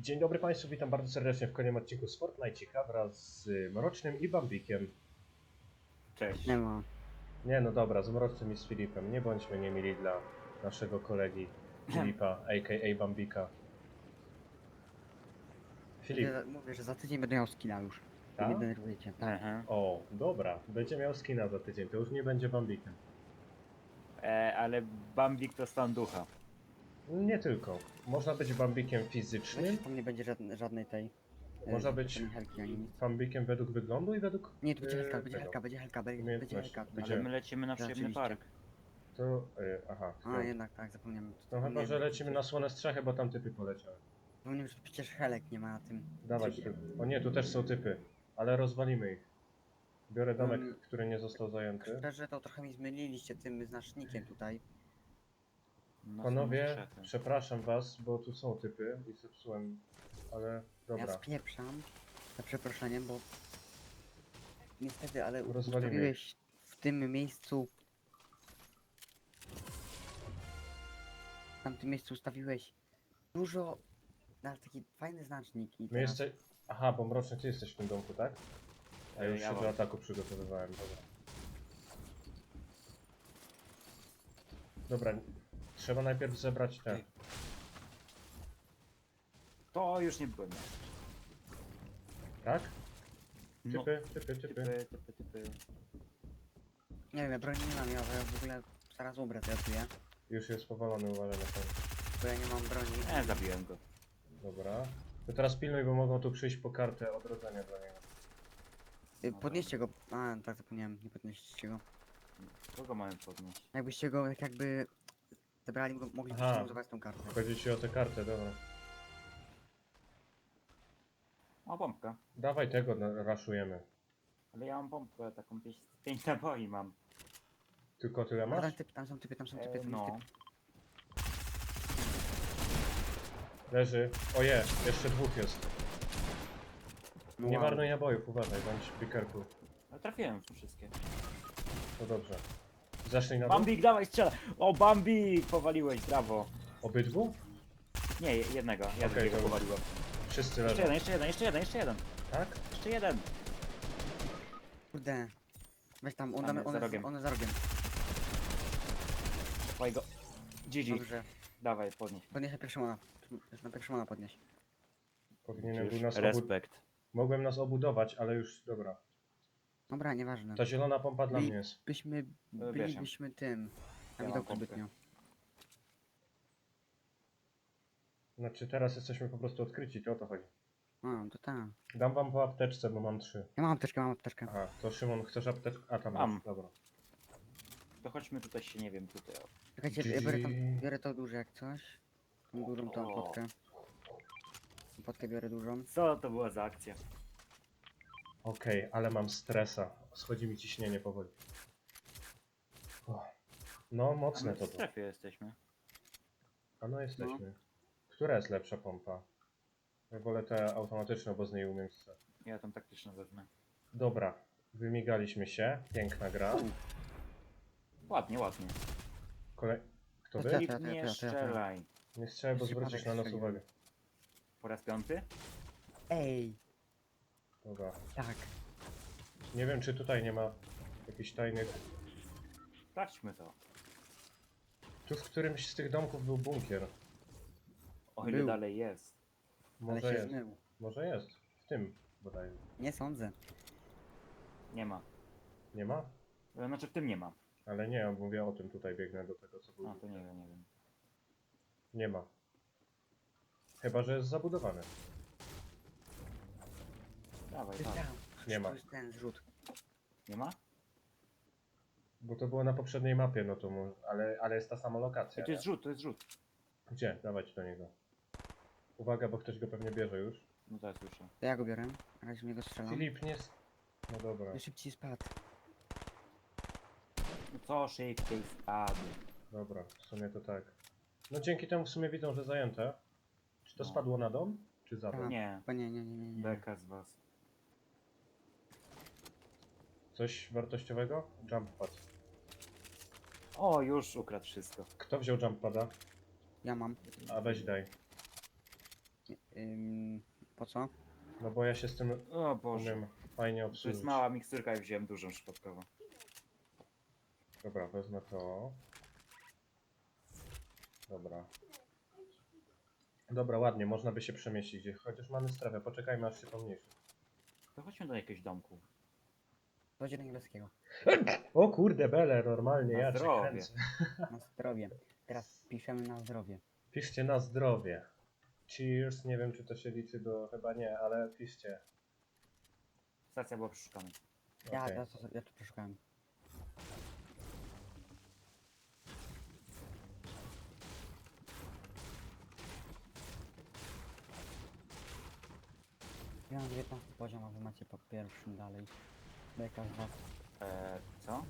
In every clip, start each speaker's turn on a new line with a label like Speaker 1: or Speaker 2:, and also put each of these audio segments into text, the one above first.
Speaker 1: Dzień dobry Państwu, witam bardzo serdecznie w kolejnym odcinku z Fortnite'cika wraz z Mrocznym i Bambikiem.
Speaker 2: Cześć.
Speaker 3: Nie ma.
Speaker 1: Nie no dobra, z Mrocznym i z Filipem. Nie bądźmy niemili dla naszego kolegi Filipa, a.k.a. Bambika. Filip,
Speaker 3: Mówię, że za tydzień będę miał skina już.
Speaker 1: tak?
Speaker 3: Nie denerwujecie. Tak.
Speaker 2: Aha.
Speaker 1: O, dobra, będzie miał skina za tydzień, to już nie będzie Bambikiem.
Speaker 2: Ale Bambik to stan ducha.
Speaker 1: Nie tylko. Można być Bambikiem fizycznym,
Speaker 3: Wiecie, tam nie będzie żadnej tej...
Speaker 1: Można być
Speaker 3: Helki ani nic.
Speaker 1: Bambikiem według wyglądu i według...
Speaker 3: Nie, tu będzie helka,
Speaker 1: tego.
Speaker 3: będzie helka, będzie helka, będzie
Speaker 1: Umiejętności.
Speaker 3: helka.
Speaker 1: Gdzie?
Speaker 2: Ale my lecimy na przyjemny
Speaker 3: Rzeczywiście.
Speaker 2: park.
Speaker 1: To... aha.
Speaker 3: A, jednak tak, zapomniałem.
Speaker 1: No chyba, że lecimy na słone strzechy, bo tam typy poleciały.
Speaker 3: Zapomniałem, że przecież helek nie ma na tym.
Speaker 1: Dawać tu. O nie, tu też są typy, ale rozwalimy ich. Biorę domek, który nie został zajęty.
Speaker 3: Szczerze, to trochę mi zmyliliście tym znacznikiem tutaj.
Speaker 2: No,
Speaker 1: Panowie,
Speaker 2: są strzechy.
Speaker 1: przepraszam was, bo tu są typy i zepsułem, ale
Speaker 3: Ja
Speaker 1: dobra.
Speaker 3: spieprzam, za przeproszeniem, bo... Niestety, ale
Speaker 1: Rozwalimy.
Speaker 3: ustawiłeś w tym miejscu... W tamtym miejscu ustawiłeś dużo... Na taki fajny znacznik i
Speaker 1: My
Speaker 3: teraz...
Speaker 1: jesteś... Aha, bo Mroczny, ty jesteś w tym domku, tak? A ja już
Speaker 2: Ja
Speaker 1: się do
Speaker 2: mam.
Speaker 1: ataku przygotowywałem, dobra. Dobra, trzeba najpierw zebrać te.
Speaker 2: Ej. To już nie byłem.
Speaker 1: Tak?
Speaker 2: No.
Speaker 1: Typy.
Speaker 2: Typy.
Speaker 3: Nie wiem, ja broni nie mam, ja w ogóle zaraz umrę, to ja czuję.
Speaker 1: Już jest powalony, uważaj na to.
Speaker 3: Bo ja nie mam broni.
Speaker 2: Zabiłem go.
Speaker 1: Dobra. To teraz pilnuj, bo mogą tu przyjść po kartę odrodzenia dla niego.
Speaker 3: Podnieście go. A, tak zapomniałem, nie podnieście go.
Speaker 2: Kogo mamy podnieść?
Speaker 3: Jakbyście go tak jakby zebrali, moglibyście
Speaker 1: Aha.
Speaker 3: używać tą kartę.
Speaker 1: Chodzi ci o tę kartę, dobra.
Speaker 2: O, bombka.
Speaker 1: Dawaj tego, raszujemy.
Speaker 2: Ale ja mam bombkę, taką 5 naboi mam.
Speaker 1: Tylko tyle
Speaker 3: A,
Speaker 1: masz?
Speaker 3: tam są typy, tam są typy, tam
Speaker 2: No.
Speaker 3: jest typ.
Speaker 1: Leży. Oje, jeszcze dwóch jest.
Speaker 3: No
Speaker 1: Nie
Speaker 3: wow.
Speaker 1: marnuj nabojów, uważaj, bądź pikerku.
Speaker 2: Ale trafiłem w wszystkie.
Speaker 1: To dobrze. Zeszli na dół?
Speaker 2: Bambik, dawaj strzela! O, Bambik! Powaliłeś, brawo.
Speaker 1: Obydwu?
Speaker 2: Nie, jednego. Ja
Speaker 1: Okej,
Speaker 2: drugiego
Speaker 1: dobra.
Speaker 2: powaliłem.
Speaker 1: Wszyscy
Speaker 2: Jeszcze
Speaker 1: leżą.
Speaker 2: jeden.
Speaker 1: Tak?
Speaker 2: Jeszcze jeden.
Speaker 3: Kurde. Weź tam,
Speaker 2: Tam jest za rogiem.
Speaker 3: one za rogiem.
Speaker 2: Twojego. GG.
Speaker 3: Dobrze.
Speaker 2: Dawaj, podnieś.
Speaker 3: Podnieś na pierwszą Już na pierwszą podnieś.
Speaker 1: Powinienem był nas
Speaker 2: Respekt.
Speaker 1: Mogłem nas obudować, ale już, dobra.
Speaker 3: Dobra, nieważne.
Speaker 1: Ta zielona pompa dla mnie jest.
Speaker 3: Bylibyśmy tym. Na
Speaker 2: Ja mam
Speaker 3: widoku
Speaker 2: pompkę.
Speaker 3: zbytnio.
Speaker 1: Znaczy teraz jesteśmy po prostu odkryci, to o to chodzi.
Speaker 3: A, to tak.
Speaker 1: Dam wam po apteczce, bo mam 3.
Speaker 3: Ja mam apteczkę.
Speaker 1: Aha, to Szymon, chcesz apteczkę? A, tam
Speaker 2: Mam.
Speaker 1: masz, dobra.
Speaker 2: To chodźmy tutaj się, nie wiem, tutaj.
Speaker 3: Czekajcie, ja biorę to duże jak coś. Tą dużą tą
Speaker 2: O.
Speaker 3: potkę. Potkę biorę dużą.
Speaker 2: Co to była za akcja?
Speaker 1: Okej, ale mam stresa. Schodzi mi ciśnienie powoli. O. No,
Speaker 2: A
Speaker 1: mocne
Speaker 2: my w
Speaker 1: to było.
Speaker 2: strefie jesteśmy.
Speaker 1: A no jesteśmy. Która jest lepsza pompa? Ja wolę tę automatyczną, bo z niej umiem strzelać.
Speaker 2: Ja tam taktyczną wezmę.
Speaker 1: Dobra, wymigaliśmy się. Piękna gra.
Speaker 2: Ładnie.
Speaker 1: Kto
Speaker 3: To
Speaker 1: wy?
Speaker 3: ja.
Speaker 2: Filip, nie strzelaj.
Speaker 1: Nie strzelaj, bo
Speaker 3: Przypadek
Speaker 1: zwrócisz na nas
Speaker 3: strzeliłem.
Speaker 1: uwagę.
Speaker 2: Po raz 5?
Speaker 3: Ej,
Speaker 1: Dobra.
Speaker 3: tak.
Speaker 1: Nie wiem, czy tutaj nie ma jakichś tajnych...
Speaker 2: Sprawdźmy to.
Speaker 1: Tu w którymś z tych domków był bunkier.
Speaker 2: O ile
Speaker 3: Był.
Speaker 2: dalej jest.
Speaker 3: Ale
Speaker 1: Może
Speaker 3: się
Speaker 1: jest.
Speaker 3: zmył.
Speaker 1: Może jest. W tym bodajże.
Speaker 3: Nie sądzę.
Speaker 2: Nie ma.
Speaker 1: Nie ma?
Speaker 2: Znaczy w tym nie ma.
Speaker 1: Ale nie, mówię o tym, tutaj biegnę do tego, co
Speaker 2: A,
Speaker 1: było.
Speaker 2: to nie wiem.
Speaker 1: Nie ma. Chyba, że jest zabudowany.
Speaker 2: Dawaj.
Speaker 1: Nie ma.
Speaker 3: To jest ten zrzut.
Speaker 2: Nie ma?
Speaker 1: Bo to było na poprzedniej mapie, no to ale jest ta sama lokacja.
Speaker 2: To jest rzut, to jest rzut.
Speaker 1: Gdzie? Dawać do niego. Uwaga, bo ktoś go pewnie bierze już.
Speaker 2: No to ja słyszę.
Speaker 3: To ja go biorę. Na razie w niego strzelam.
Speaker 1: Filip, nie... No dobra,
Speaker 3: By szybciej spadł.
Speaker 2: No co szybciej spadł.
Speaker 1: dobra, w sumie to tak. No dzięki temu w sumie widzą, że zajęte. Czy to
Speaker 2: No.
Speaker 1: spadło na dom? Czy za dom?
Speaker 3: Tak.
Speaker 2: Nie.
Speaker 3: Bo nie.
Speaker 2: Beka z was.
Speaker 1: Coś wartościowego? Jump pad.
Speaker 2: O, już ukradł wszystko.
Speaker 1: Kto wziął jump pada?
Speaker 3: Ja mam.
Speaker 1: A weź daj.
Speaker 3: Po co?
Speaker 1: No bo ja się z tym
Speaker 2: O Boże.
Speaker 1: umiem fajnie
Speaker 2: To
Speaker 1: obsłużyć.
Speaker 2: jest mała miksturka i wziąłem dużą przypadkowo.
Speaker 1: Dobra, wezmę to. Dobra. Dobra, ładnie, można by się przemieścić gdzie. Chociaż mamy strefę, poczekajmy aż się pomniejszy.
Speaker 2: To chodźmy do jakiegoś domku.
Speaker 3: Chodź do niebieskiego.
Speaker 1: O kurde, bele, normalnie,
Speaker 2: Na
Speaker 1: ja cię
Speaker 2: zdrowie.
Speaker 1: kręcę.
Speaker 3: Na zdrowie. Teraz piszemy na zdrowie.
Speaker 1: Piszcie na zdrowie. Cheers, nie wiem czy to się liczy do... chyba nie, ale piszcie.
Speaker 2: Stacja była przeszukana.
Speaker 1: Okej.
Speaker 3: Ja to przeszukałem. Ja mam 19 poziom, a wy macie po pierwszym dalej. Beka z was.
Speaker 2: Co?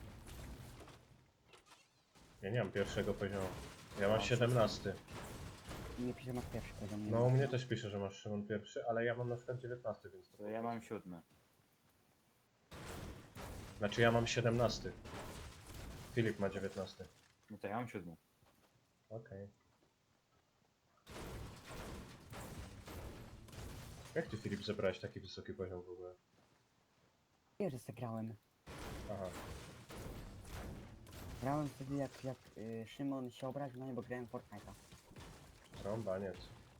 Speaker 1: Ja nie mam pierwszego poziomu. Ja mam 17.
Speaker 3: Nie pisze, masz pierwszy poziom. Nie
Speaker 1: No u
Speaker 3: masz.
Speaker 1: mnie też pisze, że masz Szymon pierwszy, ale ja mam na przykład 19, więc to...
Speaker 2: To ja mam 7.
Speaker 1: Znaczy ja mam 17. Filip ma 19.
Speaker 2: No to ja mam 7.
Speaker 1: Okej. Jak ty Filip zebrałeś taki wysoki poziom w ogóle?
Speaker 3: Wiesz, że zagrałem.
Speaker 1: Aha.
Speaker 3: Grałem wtedy jak Szymon się obraził na nie, bo grałem w Fortnite'a.
Speaker 1: Rąbaniec.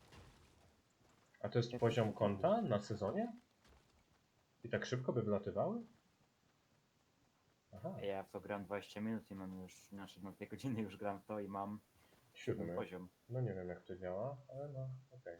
Speaker 1: A to jest poziom konta na sezonie? I tak szybko by wylatywały? Aha,
Speaker 2: Ja w to gram 20 minut i mam już, znaczy na 2 godziny już gram w to i mam
Speaker 1: 7.
Speaker 2: poziom.
Speaker 1: No nie wiem jak to działa, ale no okej.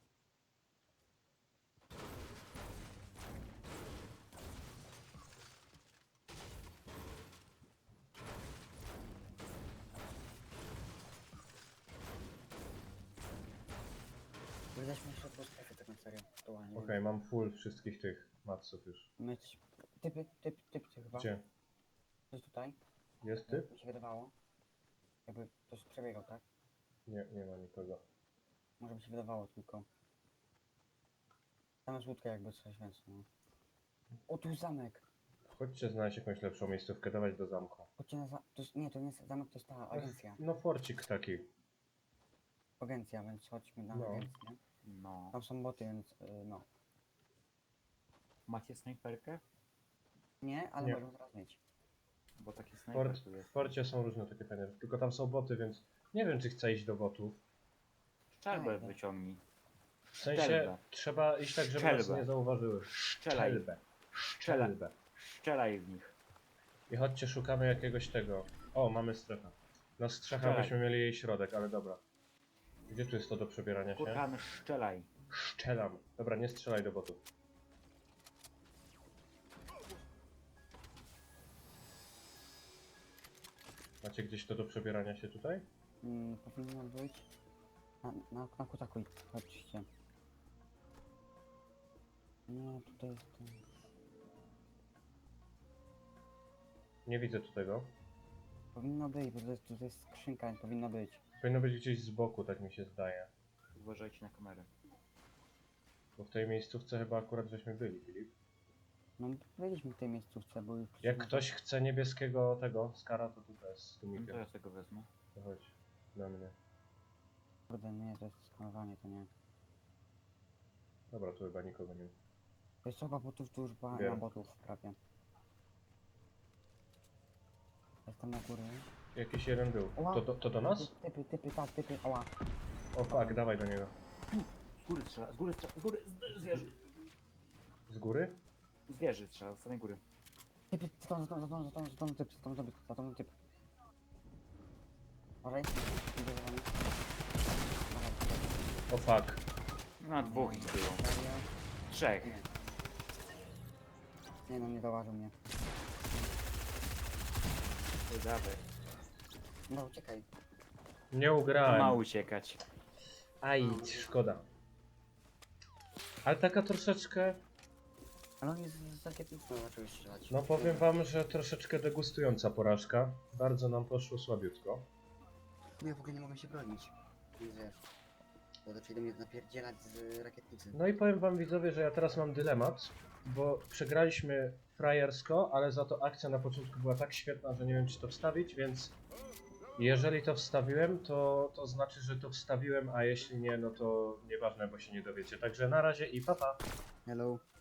Speaker 3: Wydaliśmy jeszcze po strefie tak na serio. Aktualnie.
Speaker 1: Okej, mam full wszystkich tych matsów już.
Speaker 3: My coś... Typ chyba.
Speaker 1: Gdzie?
Speaker 3: Coś tutaj.
Speaker 1: Jest typ?
Speaker 3: Mi się wydawało. Jakby ktoś przebiegał, tak?
Speaker 1: Nie, nie ma nikogo.
Speaker 3: Może mi się wydawało tylko. Tam jest łódka jakby coś, więc no. O, tu jest zamek!
Speaker 1: Chodźcie znaleźć jakąś lepszą miejscówkę, dawać do zamku.
Speaker 3: Chodźcie na to jest, nie, to nie jest zamek, to jest ta agencja.
Speaker 1: No forcik taki.
Speaker 3: Agencja, więc chodźmy na
Speaker 1: No.
Speaker 3: agencję.
Speaker 2: No.
Speaker 3: Tam są boty, więc no.
Speaker 2: Macie snajperkę?
Speaker 3: Nie, ale
Speaker 1: Nie.
Speaker 3: możemy teraz mieć.
Speaker 2: Bo taki snajper tu
Speaker 1: W
Speaker 2: jest.
Speaker 1: forcie są różne takie fajne, tylko tam są boty, więc nie wiem czy chcę iść do botów.
Speaker 2: Strzelbę
Speaker 3: Fajne.
Speaker 2: wyciągnij.
Speaker 1: W sensie
Speaker 2: Strzelbę.
Speaker 1: trzeba iść tak, żeby nas
Speaker 2: Strzelbę.
Speaker 1: nie zauważyły.
Speaker 2: Strzelaj.
Speaker 1: Strzelbę.
Speaker 2: Strzelaj.
Speaker 1: Strzelbę.
Speaker 2: Strzelaj w nich.
Speaker 1: I chodźcie, szukamy jakiegoś tego. O, mamy strefę. Na strzechach
Speaker 2: Strzelaj.
Speaker 1: byśmy mieli jej środek, ale dobra. Gdzie tu jest to do przebierania się?
Speaker 2: Kurkan, strzelaj.
Speaker 1: Strzelam. Dobra, nie strzelaj do botów. Macie gdzieś to do przebierania się tutaj?
Speaker 3: Powinno być. Na kutaku, chodźcie. Nie, tutaj jest ten.
Speaker 1: Nie widzę tu tego.
Speaker 3: Powinno być, bo tutaj jest skrzynka, nie powinno być.
Speaker 1: Powinno być gdzieś z boku, tak mi się zdaje.
Speaker 2: Uważajcie na kamerę.
Speaker 1: Bo w tej miejscówce chyba akurat żeśmy byli, Filip.
Speaker 3: No byliśmy w tej miejscówce, bo już...
Speaker 1: Jak ktoś chce niebieskiego tego skara, to tutaj jest z
Speaker 2: No to
Speaker 1: tumikiem.
Speaker 2: ja tego wezmę.
Speaker 1: To chodź na mnie.
Speaker 3: Kurde, nie, to jest skanowanie, to nie.
Speaker 1: Dobra, tu chyba nikogo nie ma.
Speaker 3: To jest chyba botów, tu już była
Speaker 1: Wiem.
Speaker 3: na botów prawie. Jestem na górę.
Speaker 1: Jakiś jeden był.
Speaker 3: Ła.
Speaker 1: To do nas?
Speaker 3: Typy, tak, typy, ała.
Speaker 1: O fuck, dawaj do niego.
Speaker 2: Z góry strzela, z góry strzela, z góry, z wieży.
Speaker 1: Z góry?
Speaker 2: Z wieży strzela, z samej góry.
Speaker 3: Typy, za tą typ. Uważaj. Idzie za wami.
Speaker 1: O fuck.
Speaker 2: Na dwóch ich było.
Speaker 3: Serio?
Speaker 2: Trzech.
Speaker 3: Nie. Nie no, nie zauważył mnie.
Speaker 2: To dawaj.
Speaker 3: No, uciekaj.
Speaker 1: Nie
Speaker 2: To ma
Speaker 1: ugrałem.
Speaker 2: uciekać.
Speaker 1: Aj, szkoda. Ale taka troszeczkę...
Speaker 3: Ale on jest z rakietnicą, zaczął strzelać.
Speaker 1: No powiem wam, że troszeczkę degustująca porażka. Bardzo nam poszło słabiutko.
Speaker 3: No ja w ogóle nie mogę się bronić. Więc wiesz. Bo zaczęli do mnie napierdzielać z rakietnicy.
Speaker 1: No i powiem wam widzowie, że ja teraz mam dylemat, bo przegraliśmy frajersko, ale za to akcja na początku była tak świetna, że nie wiem czy to wstawić, więc Jeżeli to wstawiłem, to znaczy, że to wstawiłem, a jeśli nie, no to nieważne, bo się nie dowiecie. Także na razie i pa pa.
Speaker 3: Hello.